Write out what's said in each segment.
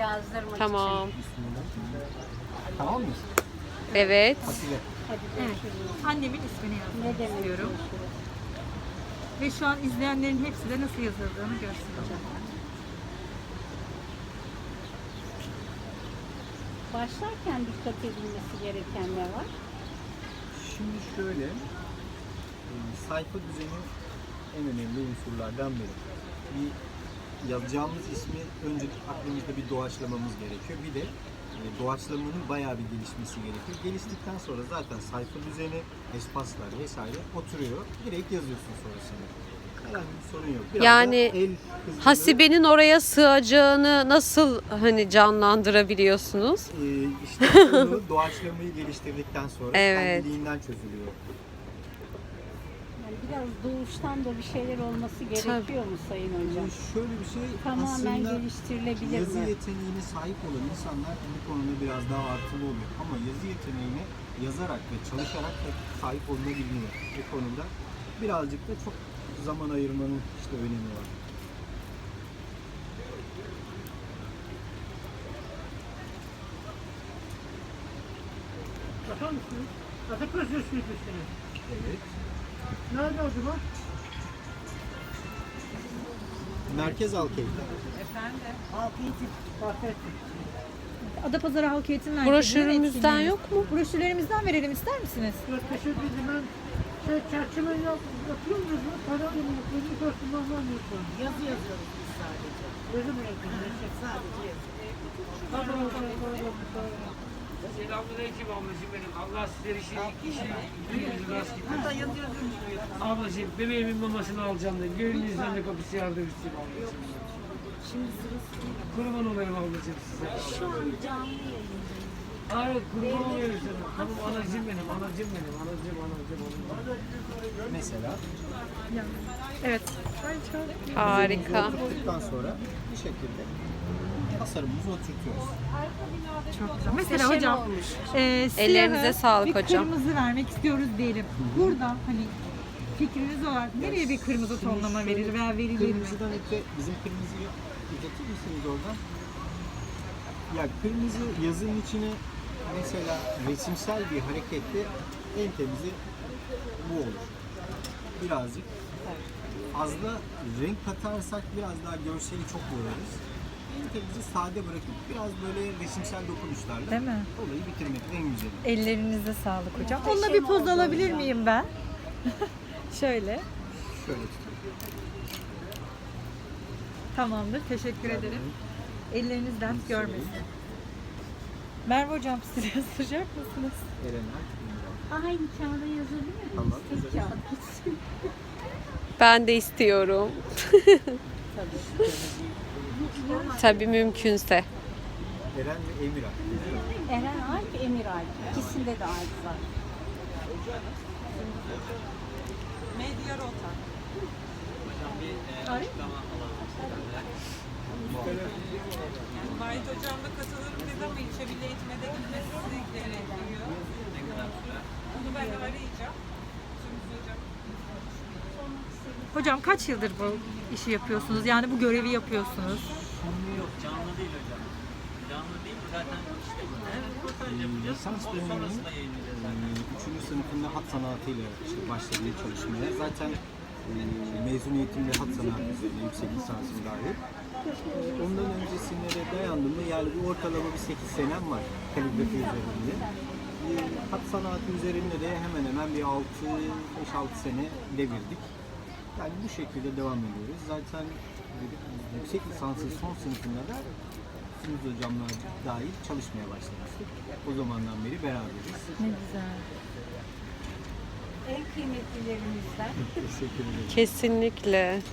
yazdırmak Tamam. için. Tamam mı? Evet. Atilla. Hadi görüşürüz. Annemin ismini Ne yazmak demek istiyorum. görüşürüz? Ve şu an izleyenlerin hepsi de nasıl yazıldığını göstereceğim. Başlarken dikkat edilmesi gereken ne var? Şimdi şöyle, sayfa düzeni en önemli unsurlardan biri. Bir yazacağımız ismi önce aklımızda bir doğaçlamamız gerekiyor. Bir de doğaçlamanın bayağı bir gelişmesi gerekiyor. Geliştikten sonra zaten sayfa düzeni, espaslar vesaire oturuyor. Direkt yazıyorsun sonrasında. Herhangi bir sorun yok. Biraz Yani da el hızlılığı, Hasibe'nin oraya sığacağını nasıl hani canlandırabiliyorsunuz? işte onu doğaçlamayı geliştirdikten sonra Evet. kendiliğinden çözülüyor. Yani biraz doğuştan da bir şeyler olması gerekiyor mu Sayın Hocam? Şöyle bir şey Tamamen aslında geliştirilebilir yazı mi? yeteneğine sahip olan insanlar bu konuda biraz daha artılı oluyor. Ama yazı yeteneğine yazarak ve çalışarak da sahip olunabiliyor. Bu konuda birazcık da çok zaman ayırmanın işte önemi var. Bakar mısınız? Ataköz Üniversitesi'ne. Evet. Nerede acaba? Merkez Alkey'de. Bahsettim. Adapazarı Halk Eğitim Merkezi'nin Broşürümüzden etkinliği. yok mu? Broşürlerimizden verelim ister misiniz? Teşekkür ederim. Çerçeve yapıyor muyuz mu? Para mı? Yazı koştumdan var mı? Yazı yazıyoruz biz sadece. Yazı mı yapıyorsunuz? Sadece yazı. Selamünaleyküm ablacığım benim. Allah sizleri işini rast Hatta getirsin. yazı yazıyormuş bu yazı. Ablacığım bebeğimin mamasını alacağım da gönlünüzden de kapısı yardım istiyorum ablacığım. Şimdi sırası Kurban olayım ablacığım size. şu an canlı yayındayız. Evet kurban olayım sana. Tamam anacığım benim, anacığım benim, anacığım. Mesela Evet. Harika. oturduktan sonra bir şekilde tasarımımızı oturtuyoruz. Çok güzel. Mesela Muhteşem hocam olmuş. Ellerinize siyahı sağlık bir hocam. kırmızı vermek istiyoruz diyelim. Burada hani fikriniz olarak nereye bir kırmızı Şimdi tonlama şöyle, verir veya verilir mi? Kırmızıdan öte bizim kırmızıyı uzatır mısınız oradan? Ya kırmızı yazının içine mesela resimsel bir hareketle en temizi bu olur. Birazcık fazla renk katarsak biraz daha görseli çok boyarız. En temizi sade bırakıp biraz böyle resimsel dokunuşlarla Değil mi? olayı bitirmek en güzeli. Ellerinize sağlık hocam. Muhteşem Onunla bir poz oldu alabilir hocam. miyim ben? Şöyle. Şöyle tutuyorum. Tamamdır. Teşekkür ederim. Elleriniz dert görmesin. Merve hocam siz yazdıracak mısınız? Erenler. Aynı kağıda yazabilir miyiz? Tamam, Tek yazarız. kağıt gitsin. Ben de istiyorum. Tabii mümkünse. Eren ve Emir Alp. Eren Alp, Emir Alp. İkisinde de Alp var. Medya rota. Yani Mahit hocamla katılırım dedi ama ilçe milli eğitime de gitmesi sizi etkiliyor. Onu ben de arayacağım. Şimdi hocam. Hocam kaç yıldır bu işi yapıyorsunuz? Yani bu görevi yapıyorsunuz. Yok canlı değil hocam. Canlı değil zaten işte Lisans döneminin 3. sınıfında hat sanatıyla işte başladım çalışmaya. Zaten mezuniyetimde hat sanatı üzerine yüksek lisansım dahil. Ondan öncesine de dayandım mı yani bir ortalama bir 8 senem var kaligrafi üzerinde. Hat sanatı üzerinde de hemen hemen bir 5-6 sene devirdik. Yani bu şekilde devam ediyoruz. Zaten yüksek lisansın son sınıfında da Sınıf hocamla dahil çalışmaya başlamıştık. O zamandan beri beraberiz. Ne güzel. En kıymetlilerimizden. Teşekkür ederim. Kesinlikle.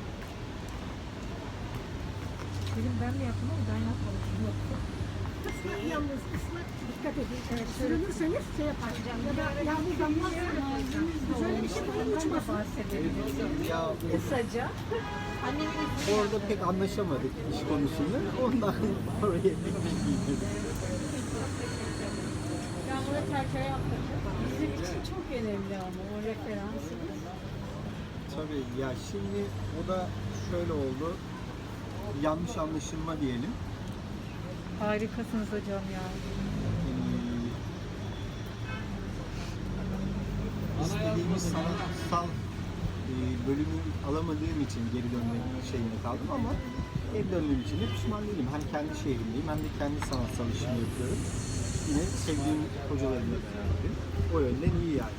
Dedim ben de yaptım ama ben yapmamışım. Yalnız kısmet dikkat edin. Sürünürseniz şey yapar. Ya da yalnız yanmazsınız. Şöyle bir şey böyle uçmasın. Ya Kısaca. orada pek anlaşamadık iş konusunda. Ondan oraya pek bilgiydim. Ben buna çerçeve yaptıracağım. Bizim için çok önemli ama o referansımız. Tabii ya şimdi o da şöyle oldu. Yanlış anlaşılma diyelim. Harikasınız hocam ya. İstediğimiz sanatsal bölümü alamadığım için geri dönmek şeyine kaldım ama geri döndüğüm için de pişman değilim. Hem kendi şehrimdeyim hem de kendi sanatsal işimi yapıyorum. Yine sevdiğim hocalarımla beraberim. O yönden iyi yani.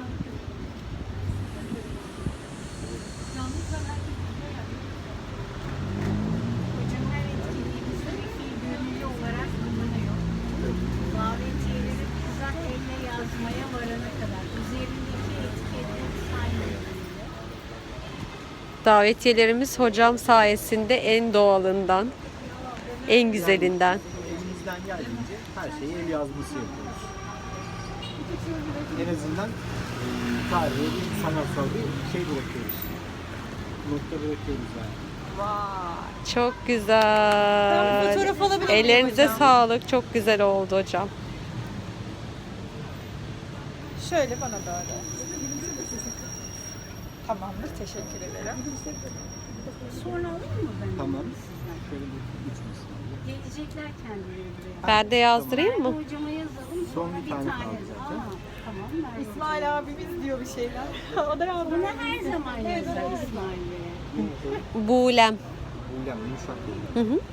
Hocam her etkinliğimizde bir fiil gönüllü olarak bulunuyor. Davetiyeleri bizzat elle yazmaya varana kadar. Üzerindeki etiketleri saymıyor bile. Davetiyelerimiz hocam sayesinde en doğalından, en güzelinden. Elimizden geldiğince her şeyi el yazması yapıyoruz. En azından tarihe bir sanatsal bir şey bırakıyoruz. Nokta bırakıyoruz yani. Çok güzel. Ben bir fotoğraf alabilir miyim Ellerinize hocam? sağlık. Çok güzel oldu hocam. Şöyle bana doğru. Tamamdır, teşekkür ederim. Sonra alayım mı ben? Tamam. Şöyle bir uçmasın. Gelecekler kendileri buraya. Ben de yazdırayım mı? Hocama yazalım. Son sonra bir tane kaldı Aa, zaten. tamam. Merve İsmail abimiz diyor bir şeyler. O da yazdı. Bunu her zaman yazar İsmail Bey'e. Buğlem. Uylem, yumuşak değil. Hı hı.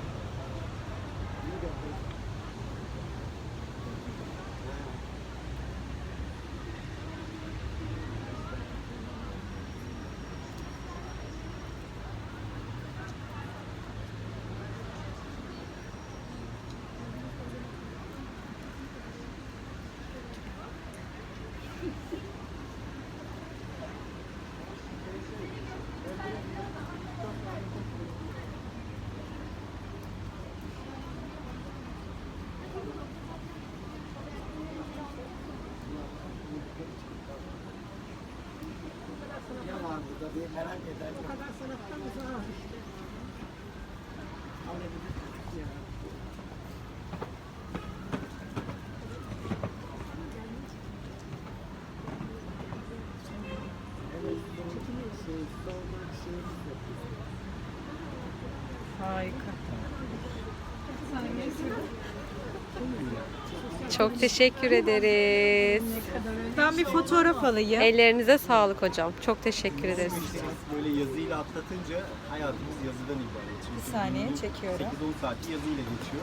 O kadar sanattan uzağız işte. Harika. Çok teşekkür ederiz. Ben bir fotoğraf alayım. Ellerinize sağlık hocam. Çok teşekkür ederiz. Böyle yazıyla atlatınca hayatımız yazıdan ibaret. Çünkü Bir saniye, günlük çekiyorum. 8-10 saati yazıyla geçiyor.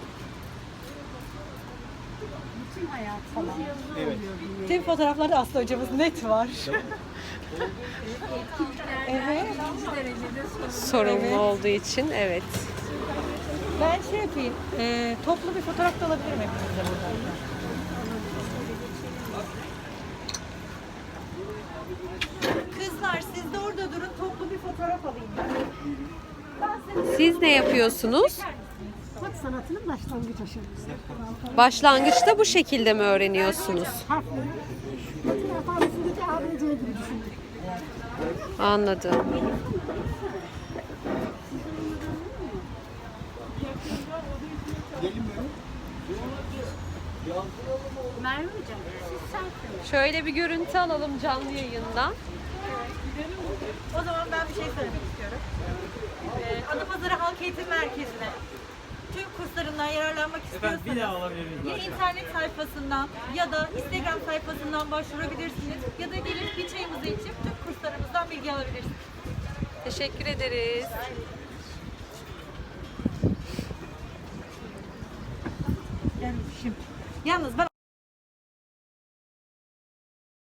Bütün hayatımız yazılı Evet. oluyor. bir Tüm fotoğraflarda Aslı hocamız net var. etkinliklerden birinci derecede Sorumlu Evet. olduğu için evet. Ben şey yapayım, toplu bir fotoğraf da alabilirim hepinizle burada. Kızlar siz de orada durun, toplu bir fotoğraf alayım ben. Siz ne yapıyorsunuz? Hat sanatının başlangıç aşaması. Başlangıçta bu şekilde mi öğreniyorsunuz? Harfleri Latin alfabesindeki ABC gibi düşünün. Anladım. Merve Hocam, siz selfie. Şöyle bir görüntü alalım canlı yayından. O zaman ben bir şey söylemek istiyorum. Adapazarı Halk Eğitim Merkezi'ne tüm kurslarından yararlanmak Efendim bir daha istiyorsanız alabilir miyiz? ya internet sayfasından ya da Instagram sayfasından başvurabilirsiniz ya da gelip bir çayımızı içip tüm kurslarımızdan bilgi alabilirsiniz. Teşekkür ederiz. Yalnız ben